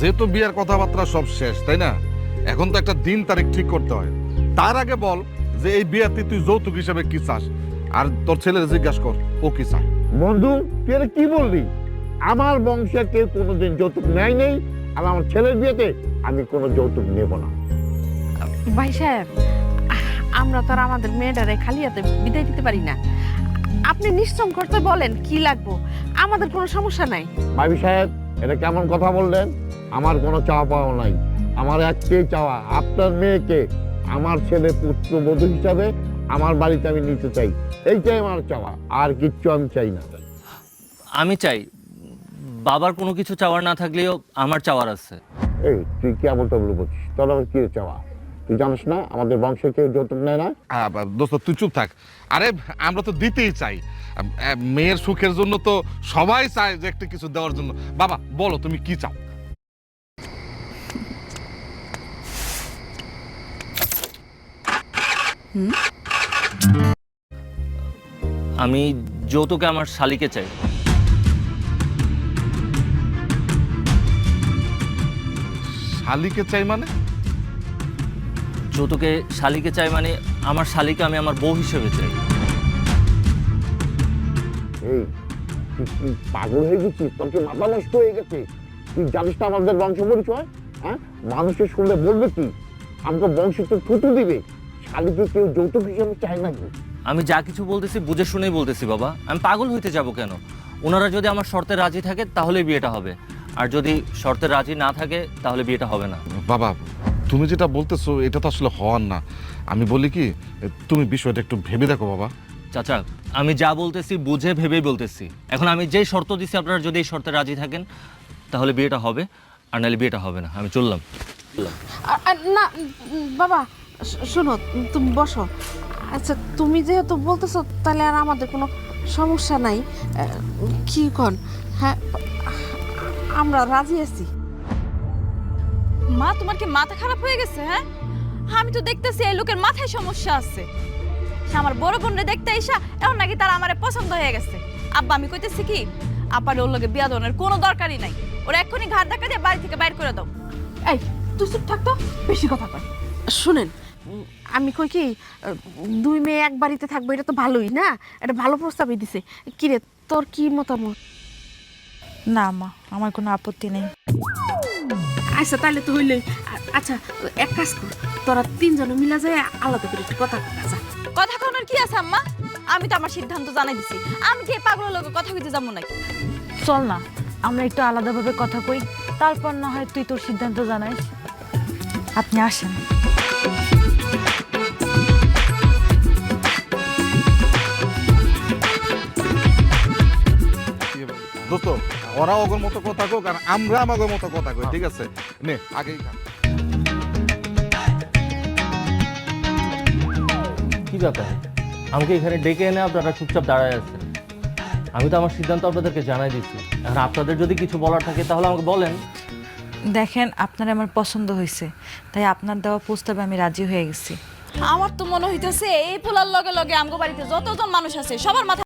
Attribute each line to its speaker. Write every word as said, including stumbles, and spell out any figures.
Speaker 1: যেহেতু বিয়ের কথাবার্তা সব শেষ, তাই না? এখন তো একটা দিন তারিখ ঠিক করতে হয়। তার আগে বল যে এই বিয়েতে তুই যৌতুক হিসেবে কি চাস, আর তোর ছেলের জিজ্ঞাসা কর ও কি চায়।
Speaker 2: বন্ধু তুই এটা কি বললি? আমার বংশে কেউ কোনোদিন যৌতুক নেয় নেই, আর আমার ছেলের বিয়েতে আমি কোনো যৌতুক নেব না।
Speaker 3: ভাই সাহেব, আমরা তো আর আমাদের মেয়েটারে খালি হাতে বিদায় দিতে পারি না। আপনি নিশ্চম করতে বলেন কি লাগবো, আমাদের কোনো সমস্যা নাই।
Speaker 2: ভাবি সাহেব, এটা কেমন কথা বললেন? আমার কোনো চাওয়া পাওয়া নাই। আমার একটাই চাওয়া, আপনার মেয়েকে আমার ছেলে পুত্রবধূ হিসাবে আমার বাড়িতে আমি নিতে চাই। এইটাই আমার চাওয়া, আর কিচ্ছু আমি চাই না।
Speaker 4: আমি চাই, বাবার কোনো কিছু চাওয়ার না থাকলেও আমার চাওয়ার আছে।
Speaker 2: এই তুই কেমন টবলু বলছিস? তোর আবার কি চাওয়া? তুই জানিস না আমাদের বংশে কেউ যৌতুক নেয় না?
Speaker 1: আহ, দোস্ত তুই চুপ থাক। আরে আমরা তো দিতেই চাই, আহ, মেয়ের সুখের জন্য তো সবাই চায় যে একটা কিছু দেওয়ার জন্য। বাবা বলো তুমি কি চাও?
Speaker 4: আমি যৌতুকে আমার শালিকে চাই।
Speaker 1: শালিকে চাই মানে?
Speaker 4: যৌতুকে শালিকে চাই মানে আমার শালিকে আমি আমার বউ হিসেবে চাই।
Speaker 2: এই তুই কি পাগল হয়ে গেছিস? তোর কি মাথা নষ্ট হয়ে গেছে? তুই জানিস না আমাদের বংশ পরিচয়? হ্যাঁ, মানুষের শুনলে বলবে কি? আমাকে বংশ তো থুতু দিবে। শালিকে কেউ যৌতুক হিসেবে চায় নাকি?
Speaker 4: আমি যা কিছু বলতেছি বুঝে শুনেই বলতেছি বাবা। আমি পাগল হইতে যাব কেন? ওনারা যদি আমার শর্তে রাজি থাকে তাহলে বিয়েটা হবে, আর যদি শর্তে রাজি না থাকে তাহলে বিয়েটা হবে না।
Speaker 1: বাবা তুমি যেটা বলতেছো এটা তো আসলে হওয়ার না। আমি বলি কি, তুমি বিষয়টা একটু ভেবে দেখো বাবা।
Speaker 4: চাচা, আমি যা বলতেছি বুঝে ভেবেই বলতেছি। এখন আমি যেই শর্ত দিচ্ছি আপনারা যদি এই শর্তে রাজি থাকেন তাহলে বিয়েটা হবে, আর নাহলে বিয়েটা হবে না। আমি চললাম।
Speaker 3: আ- আ, না উম, বাবা শ- শোনো, তুমি বসো। আচ্ছা তুমি যেহেতু বলতেছো তাহলে আর আমাদের কোনো সমস্যা নাই। আহ, কি কন? হ্যাঁ, আমরা রাজি আছি।
Speaker 5: মা, তোমার কি মাথা খারাপ হয়ে গেছে? হ্যাঁ, আমি তো দেখতেছি এই লোকের মাথায় সমস্যা আছে। সে আমার বড় বোনরে দেখতে আইসা এখন নাকি তার আমারে পছন্দ হয়ে গেছে। আব্বা আমি কইতেছি কি, আব্বার ওর লগে বিয়া দেওয়ার কোনো দরকারই নাই। ওরা এক্ষুনি ঘাট ধাক্কা দিয়ে বাড়ি থেকে বাইর করে দাও।
Speaker 3: এই তুই চুপ থাকতো, বেশি কথা কয়। শুনেন, উম, আমি কই কি, আহ, দুই মেয়ে এক বাড়িতে থাকবো, এটা তো ভালোই না? এটা ভালো প্রস্তাবই দিছে। কিরে তোর কি মতামত?
Speaker 6: না মা, আমার কোনো আপত্তি নেই।
Speaker 3: আচ্ছা তাহলে তো হইলই। আ- আচ্ছা এক কাজ কর, তোরা তিনজনে মিলা যায় আলাদা করে একটু কথা কয় যা।
Speaker 5: কথা কওয়ার কি আছে আম্মা? আমি তো আমার সিদ্ধান্ত জানাই দিছি। আমি কি এই পাগলের লগে কথা কইতে যাবো নাকি?
Speaker 6: চল না, আমরা একটু আলাদাভাবে কথা কই, তারপর না হয় তুই তোর সিদ্ধান্ত জানাইস। আপনি আসেন।
Speaker 1: দোস্ত ওরা ওগর মতো কথা কোক আর আমরা আমাদের মতো কথা কই, ঠিক আছে? নে আগেই খা।
Speaker 4: কি ব্যাপার, আমাকে এখানে ডেকে এনে আপনারা চুপচাপ দাঁড়ায় আছেন? আমি তো আমার সিদ্ধান্ত আপনাদেরকে জানাই দিচ্ছি। আর আপনাদের যদি কিছু বলার থাকে তাহলে আমাকে বলেন।
Speaker 6: দেখেন, আপনার আমার পছন্দ হয়েছে, তাই আপনার দেওয়া প্রস্তাবে আমি রাজি হয়ে গেছি।
Speaker 5: আমার তো মনে হইতেছে এই পোলার লগে লগে আমগো বাড়িতে যতজন মানুষ আছে সবার মাথা